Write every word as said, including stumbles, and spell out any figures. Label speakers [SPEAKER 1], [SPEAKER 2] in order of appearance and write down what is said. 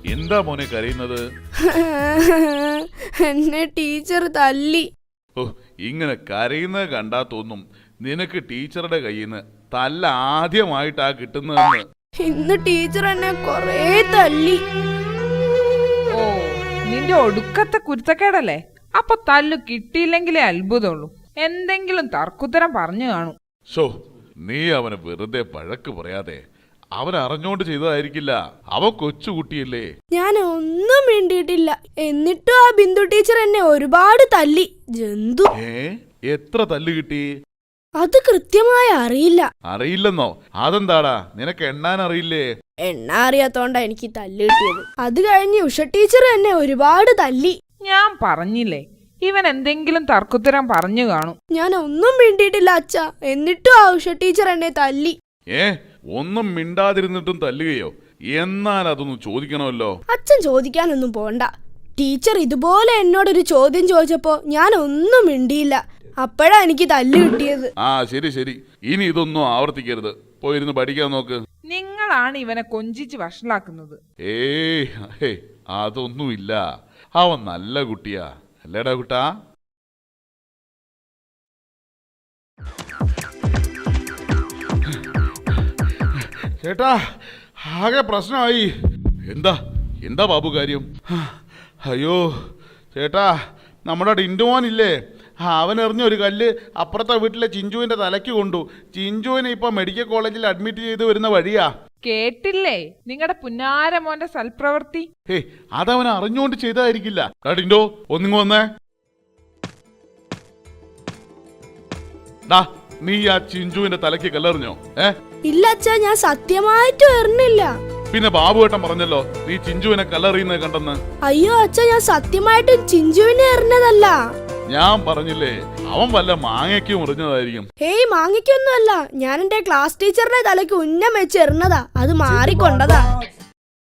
[SPEAKER 1] എന്താ മോനെ കരയുന്നത്?
[SPEAKER 2] എന്നെ ടീച്ചർ തല്ലി.
[SPEAKER 1] ഓ, ഇങ്ങനെ കരയുന്നത് കണ്ടാ തോന്നും നിനക്ക് ടീച്ചറുടെ കയ്യിൽ നിന്ന് തല്ല ആദ്യമായിട്ടാ കിട്ടുന്നതെന്ന്.
[SPEAKER 2] ഇന്ന് ടീച്ചർ എന്നെ കൊറേ തല്ലി.
[SPEAKER 3] ഓ, നിന്റെ ഒടുക്കത്തെ കുരുത്തക്കേടല്ലേ? അപ്പൊ തല്ലു കിട്ടിയില്ലെങ്കിലേ അത്ഭുതമുള്ളൂ. എന്തെങ്കിലും തർക്കുത്തരം പറഞ്ഞു കാണും.
[SPEAKER 1] ഷോ, നീ അവനെ വെറുതെ വഴക്ക് പറയാതെ. അവൻ അറിഞ്ഞോണ്ട് ചെയ്തതായിരിക്കില്ല. അവൻ കൊച്ചുകുട്ടിയല്ലേ.
[SPEAKER 2] ഞാൻ ഒന്നും മിണ്ടിയിട്ടില്ല. എന്നിട്ടും ആ ബിന്ദു ടീച്ചർ എന്നെ ഒരുപാട് തല്ലി. ജന്തു.
[SPEAKER 1] ഏ, എത്ര തല്ല് കിട്ടി?
[SPEAKER 2] അത് കൃത്യമായി അറിയില്ല.
[SPEAKER 1] അറിയില്ലെന്നോ? അതെന്താടാ, നിനക്ക് എണ്ണാൻ അറിയില്ലേ?
[SPEAKER 2] എണ്ണ അറിയാത്തോണ്ടാ എനിക്ക് തല്ല് കിട്ടിയത്. അത് കഴിഞ്ഞ് ഉഷ ടീച്ചർ എന്നെ ഒരുപാട് തല്ലി.
[SPEAKER 3] ഞാൻ പറഞ്ഞില്ലേ, ഇവൻ എന്തെങ്കിലും തർക്കുത്തരം പറഞ്ഞു കാണും.
[SPEAKER 2] ഞാൻ ഒന്നും മിണ്ടിയിട്ടില്ല അച്ഛ. എന്നിട്ടും ആ ഉഷ ടീച്ചർ എന്നെ തല്ലി.
[SPEAKER 1] ഏ, ഒന്നും മിണ്ടാതിരുന്നിട്ടും തല്ലുകയോ? എന്നാൽ അതൊന്നും ചോദിക്കണമല്ലോ.
[SPEAKER 2] അച്ഛൻ ചോദിക്കാനൊന്നും പോണ്ട. ടീച്ചർ ഇതുപോലെ എന്നോടൊരു ചോദ്യം ചോദിച്ചപ്പോ ഞാൻ ഒന്നും മിണ്ടിയില്ല. അപ്പോഴാ എനിക്ക് തല്ല് കിട്ടിയത്.
[SPEAKER 1] ആ ശരി ശരി, ഇനി ഇതൊന്നും ആവർത്തിക്കരുത്. പോയിരുന്ന് പഠിക്കാൻ നോക്ക്.
[SPEAKER 3] നിങ്ങളാണ് ഇവനെ കൊഞ്ചിച്ച് വഷളാക്കുന്നത്.
[SPEAKER 1] ഏയ്, അതൊന്നുമില്ല. അവൻ നല്ല കുട്ടിയാ, അല്ലേടാ കുട്ടാ? ചേട്ടാ, ആകെ പ്രശ്നമായി. എന്താ എന്താ ബാബു കാര്യം? അയ്യോ ചേട്ടാ, നമ്മുടെ ഡിൻഡുമോൻ ഇല്ലേ, അവൻ എറിഞ്ഞ ഒരു കല്ല് അപ്പുറത്തെ വീട്ടിലെ ചിഞ്ചുവിന്റെ തലയ്ക്ക് കൊണ്ടു. ചിഞ്ചുവിനെ ഇപ്പൊ മെഡിക്കൽ കോളേജിൽ അഡ്മിറ്റ് ചെയ്ത് വരുന്ന വഴിയാ.
[SPEAKER 3] കേട്ടില്ലേ നിങ്ങളുടെ പുന്നാരമോന്റെ സൽപ്രവൃത്തി?
[SPEAKER 1] ഏയ്, അതവൻ അറിഞ്ഞുകൊണ്ട് ചെയ്തതായിരിക്കില്ല. ഡിൻഡോ, ഒന്നിങ്ങ് വന്നേ. ഡാ, നീ ആ ചിഞ്ചുവിന്റെ തലയ്ക്ക് കല്ലെറിഞ്ഞോ? ഏ
[SPEAKER 2] ഇല്ല അച്ഛാ, ഞാൻ സത്യമായിട്ടും എറിഞ്ഞില്ല.
[SPEAKER 1] പിന്നെ ബാബുവേട്ടൻ പറഞ്ഞല്ലോ നീ ചിഞ്ചുവിനെ കല്ലെറിയുന്നത് കണ്ടെന്ന്.
[SPEAKER 2] അയ്യോ അച്ഛാ, ഞാൻ സത്യമായിട്ടും ചിഞ്ചുവിനെ എറിഞ്ഞതല്ല.
[SPEAKER 1] ഞാൻ പറഞ്ഞില്ലേ, അവൻ വല്ല മാങ്ങയ്ക്ക് മുറിഞ്ഞതായിരിക്കും.
[SPEAKER 2] ഏയ്, മാങ്ങിക്കൊന്നുമല്ല. ഞാൻ എന്റെ ക്ലാസ് ടീച്ചറുടെ തലയ്ക്ക് ഉന്നം വെച്ച് എറിഞ്ഞതാ. അത് മാറിക്കൊണ്ടതാ.